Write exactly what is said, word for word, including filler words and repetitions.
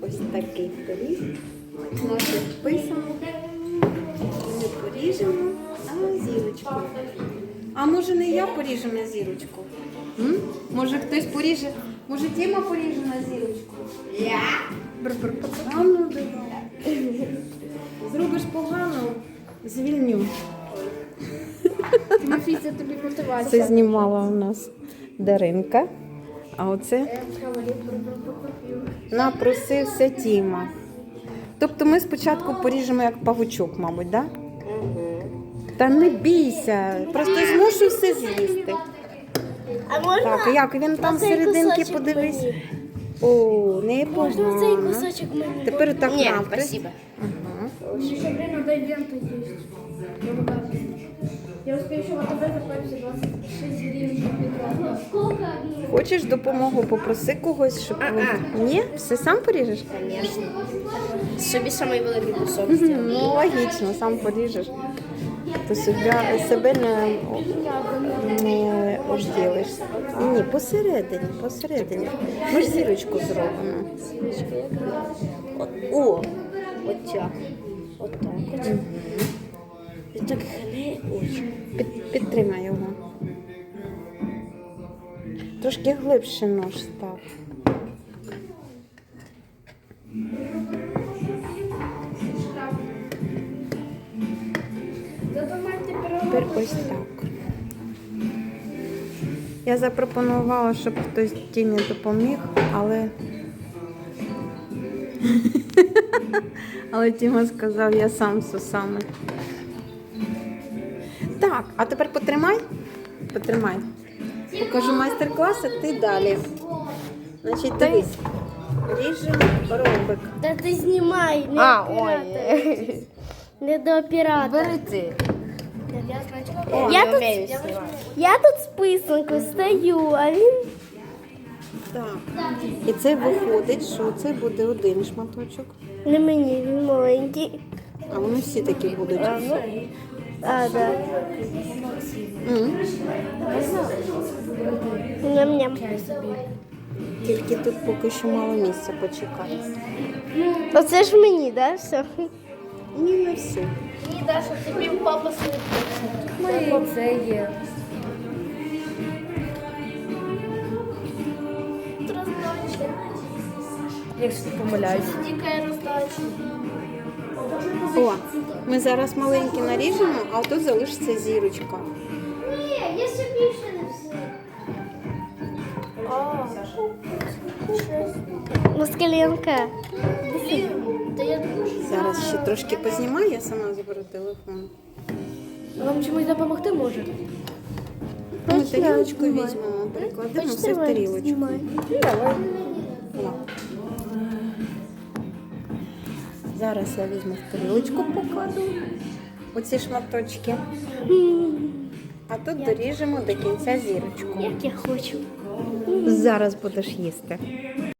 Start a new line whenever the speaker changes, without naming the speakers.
ось такий пиріг. Наше вписано. Ми поріжемо на зірочку. А може не я поріжу на зірочку? М? Може хтось поріже? Може Тіма поріже на зірочку? Я? А ну давай. Зробиш погано, звільню.
Тимофій, тобі мотивація.
Це знімала у нас Даринка. А оце напросився Тіма. Тобто ми спочатку поріжемо як павучок, мабуть, так? Да? Та не бійся, просто змушу все з'їсти.
А можна?
Так, як він там
оцей
серединки,
кусочок
подивись.
мені?
О, не
Можна цей
погано.
кусочок мені?
Тепер так
Ні,
навпис.
спасибо.
Ага.
Еще время до ивента есть. Я успею еще в АТБ заплатить двадцать шесть гривен на Петрова.
Хочеш допомогу? Попроси когось, щоб...
А-а.
Ні? Все сам поріжеш?
Конечно. Собі самий великий кусок.
Ну, логічно, сам поріжеш. Ти себе, себе не, не обділиш. Ні, посередині, посередині. Ми ж зірочку зробимо.
О, от так. От так от. І так хле. Ой.
Під, підтримай його. Трошки глибше нож став. Тепер ось так. Я запропонувала, щоб хтось Тімі допоміг, але... але Тіма сказав, я сам з усами. Так, а тепер потримай. Потримай. Покажу майстер-клас, а ти далі. Значить, дивись. Ріжемо ромбик.
Та ти знімай, не
А,
оператор. Не до оператора.
Бери ти.
О, я, тут, я тут з писанкою стою, а він...
Так. І це виходить, що це буде один шматочок.
Не мені, він маленький.
А вони всі такі будуть.
А, да.
М.
Ням-ням.
Тільки тут поки що мало місця, почекай.
Оце ж мені, да, все?
Ні, не всі.
Ні, Даша, тобі папа слідкує.
Оце є. Якщо ти помиляюся.
Тікає роздача.
О, ми зараз маленькі наріжемо, а тут залишиться зірочка.
Ні, я собі ще не все. Москаленка. Та я дуже...
Зараз ще трошки познімаю, я сама заберу телефон.
Вам чомусь допомогти може?
Ми тарілочку візьмемо, перекладемо все в тарілочку.
Давай.
О. Зараз я візьму в тарілочку, покладу оці шматочки. А тут доріжемо до кінця зірочку.
Як я хочу.
Зараз будеш їсти.